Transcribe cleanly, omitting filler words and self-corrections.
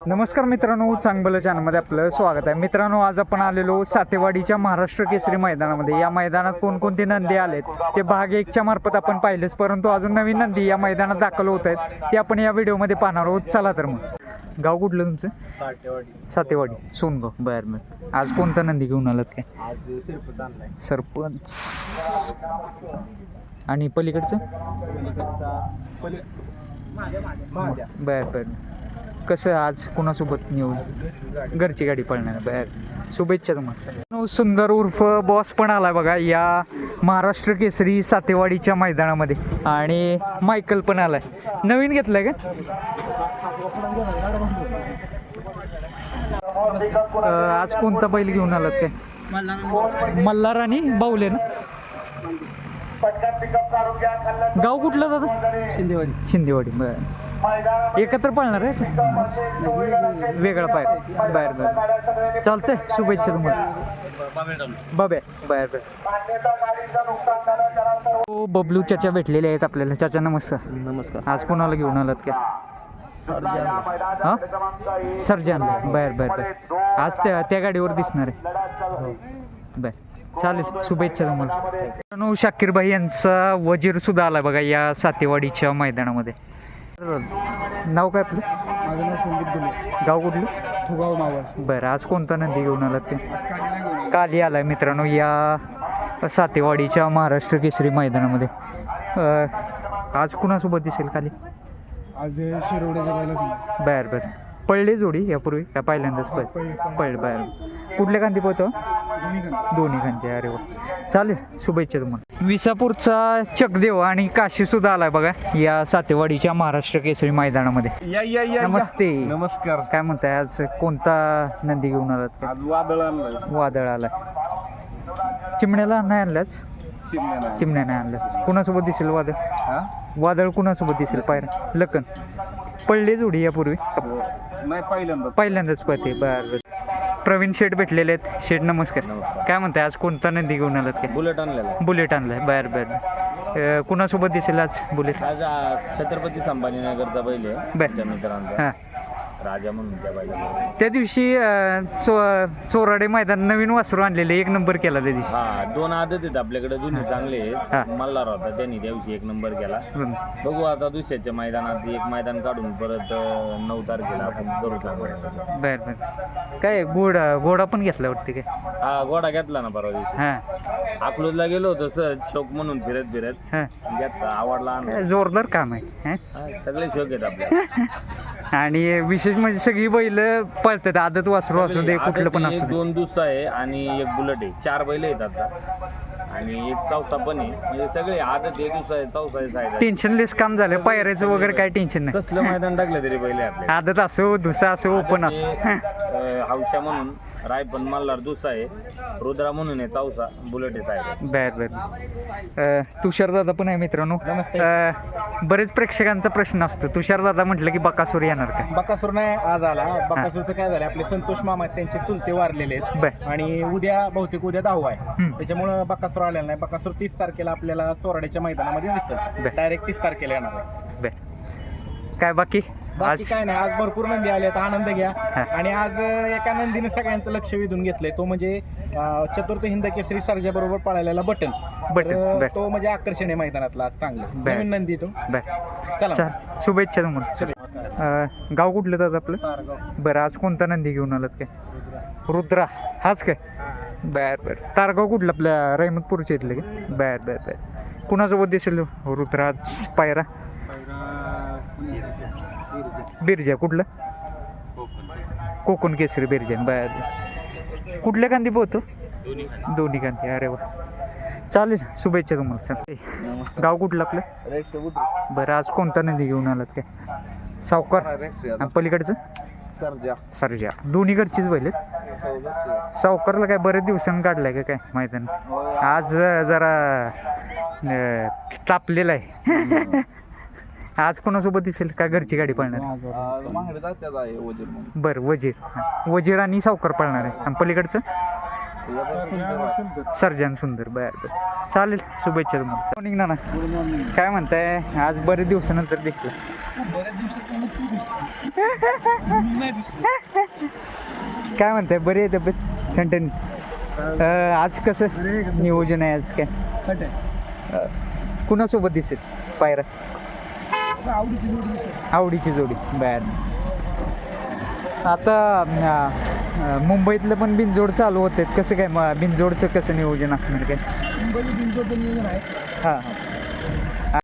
नमस्कार मित्रांनो, चांगलं चॅनलमध्ये आपलं स्वागत आहे. मित्रांनो, आज आपण आलेलो सातेवाडीच्या महाराष्ट्र केसरी मैदानामध्ये. या मैदानात कोणकोणते नंदी आलेत ते भाग 1च्या मार्फत आपण पाहिलेच, परंतु अजून नवीन नंदी या मैदानात दाखल होत आहेत ते आपण या व्हिडिओमध्ये पाहणार आहोत. चला तर मग. गाव कुठलं तुमचं? सातेवाडी सोनगाव. बरं बरं. आज कोणता नंदी घेऊन आलात काय? आज सरपंच. आणि पलीकडचं? बर बर. कसं आज कुणासोबत नियोजन? घरची गाडी पळणार. बर, शुभेच्छा तुम्हाला. सुंदर उर्फ बॉस पण आलाय बघा या महाराष्ट्र केसरी सातेवाडीच्या मैदानामध्ये. आणि मायकल पण आलाय. नवीन घेतलाय का? आज कोणता बैल घेऊन आलात काय? मल्हार आणि बाऊले ना? गाव कुठलं दादा? शिंदेवाडी. बरं. एकत्र पळणार आहे? वेगळा पाय. बाहेर बाहेर. चालतंय, शुभेच्छा तुम्हाला. बाबे. बाहेर बाहेर. बबलू चाचा भेटलेले आहेत आपल्याला. चाचा नमस्कार. नमस्कार. आज कोणाला घेऊन आलात काय? हां, सर्जन. बाहेर बाहेर बाहेर. आज त्या गाडीवर दिसणार आहे. बर, चालेल, शुभेच्छा तुम्हाला. शाकीरभाई यांचा वजीर सुद्धा आला बघा या सातेवाडीच्या मैदानामध्ये. नाव काय आपलं? माझं नाव संदीप दुले. गाव कुठलं? फुगाव मावळ. बरं. आज कोणता नंदी घेऊन आलात ते? काली आलाय मित्रांनो या सातेवाडीच्या महाराष्ट्र केसरी मैदानामध्ये. आज कुणासोबत दिसेल काली? आज शिरोड्याच्या बायला. बर बर. पळली जोडी यापूर्वी का पहिल्यांदाच पळली? बाहेर. कुठल्या खांदी पोहतो? दोन्ही खांदी. अरे वा, चालेल, शुभेच्छा तुम्हाला. विसापूरचा चकदेव आणि काशी सुद्धा आलाय बघा या सातेवाडीच्या महाराष्ट्र केसरी मैदानामध्ये. नमस्ते. नमस्कार. काय म्हणताय, आज कोणता नंदी घेऊन आलात? आज वादळ आणलं. वादळ आलाय. चिमण्याला नाही आणलाच? चिमण्या नाही आणलाच. कुणासोबत दिसेल वादळ? वादळ कुणासोबत दिसेल? पायरा लखन. पडली जोडी यापूर्वी? नाही, पहिल्यांदाच पळते. बरं. प्रवीण शेठ भेटलेले आहेत. शेठ नमस्कार. काय म्हणताय, आज कोणता नंदी घेऊन आलात काय? बुलेट आणलेला. बुलेट आणलाय. बाहेर बाहेर. कुणासोबत दिसेल आज बुलेट? आज छत्रपती संभाजीनगरचा बैल आहे. बर. मित्रांचा हां. राजा म्हणून त्या बैला. त्या दिवशी चोराडे मैदान नवीन वासरू आणलेले, एक नंबर केला त्या दिवशी. हा, 2 आदत आहेत आपल्याकडे, दोन्ही चांगले आहेत. मल्हार होता, त्यांनी त्या दिवशी 1 नंबर केला. बघू आता दुसऱ्याच्या मैदानात एक मैदान काढून परत 9 तारखेला आपण करू. बर बर. काय घोडा पण घेतला वाटते काय? हा, घोडा घेतला ना परवा दिवशी. हां. अकलूजला गेलो होतो सर, शौक म्हणून फिरत हां. घेतला, आवडला. जोरदार काम आहे. सगळे शौक आहेत आपल्याला. आणि विशेष म्हणजे सगळी बैल पळतात. आदत वासरू असू दे, कुठलं पण असू दे. 2 दुसरा आहे आणि 1 बुलेट आहे. 4 बैल आहेत आता आणि 1 चौथा पण आहे. म्हणजे सगळे आदत आहे, दुसरा आहे, चौथा आहे. टेन्शनलेस काम झालं. पायऱ्याचं वगैरे काय टेन्शन नाही. कसलं मैदान टाकलं तरी बैल आपले. आदत असो, दुसरा असो, ओपन असो. हौशा म्हणून रायपन मल्हार दुसरा आहे, रुद्रा म्हणून आहे चौथा, बुलेट आहे. बर बर. तुषार दादा पण आहे मित्रांनो. बरेच प्रेक्षकांचा प्रश्न असतो, तुषार दादा म्हटलं की बकासूर येणार का? बकासूर नाही आज आला. बकासूरचं काय झालं, आपले संतोष मामा आहेत, त्यांचे चुलते वारलेले आहेत. बर. आणि बहुतेक उद्या 10 आहे. त्याच्यामुळे बकासूर आलेला नाही. बकासूर 30 तारखेला आपल्याला चोराड्याच्या मैदानामध्ये दिसेल. डायरेक्ट 30 तारखेला येणार आहे. बर. काय बाकी काय नाही, आज भरपूर नंदी आले, आनंद घ्या. आणि आज एका नंदीने सगळ्यांचं लक्ष वेधून घेतलंय, तो म्हणजे चतुर्थ हिंद केसरी सर्जा बरोबर पळालेला बटन. तो म्हणजे आकर्षण आहे मैदानातला चांगला नवीन नंदी तो. चला, शुभेच्छा तुम्हाला. गाव कुठलं दादा आपलं? बरं. आज कोणता नंदी घेऊन आलात काय? रुद्रा. हाच काय? बर बर. तारगाव कुठलं? आपल्या रहमतपूरच्या इथलं काय? बर बर बर. कुणासोबत दिसेल रुद्रा आज? पायरा बिरजा. कुठलं? कोकण केसरी बिरजा. बर. कुठल्या कांदी पोहतो? दोन्ही कांदी. अरे वा, चालेल, शुभेच्छा तुम्हाला. गाव कुठलं आपलं? बरं. आज कोणता नंदी घेऊन आलात काय? सावकार. पलीकडचं? सर्जा. दोन्ही घरचीच बैल आहेत. सावकारला काय बरेच दिवसांनी काढलाय का काय मैदान? आज जरा तापलेला आहे. आज कोणासोबत दिसेल का? घरची गाडी पळणार? बरं. वजीर आणि सावकार पळणार आहे. आणि पलीकडचं? सर्जन सुंदर. बर बर. चालेल, शुभेच्छा तुम्हाला. मॉर्निंग ना, काय म्हणताय, आज बरेच दिवसानंतर दिसलं. काय म्हणताय, बरी आहे तब्येत, ठणठणीत. आज कसं नियोजन आहे, आज काय कुणासोबत दिसेल पायरा? आवडीची जोडी. बर, आता मुंबईतलं पण बिनजोड चालू होते, कसं काय बिनजोडचं कसं नियोजन असणार काय? बिनजोडचं नियोजन आहे. हां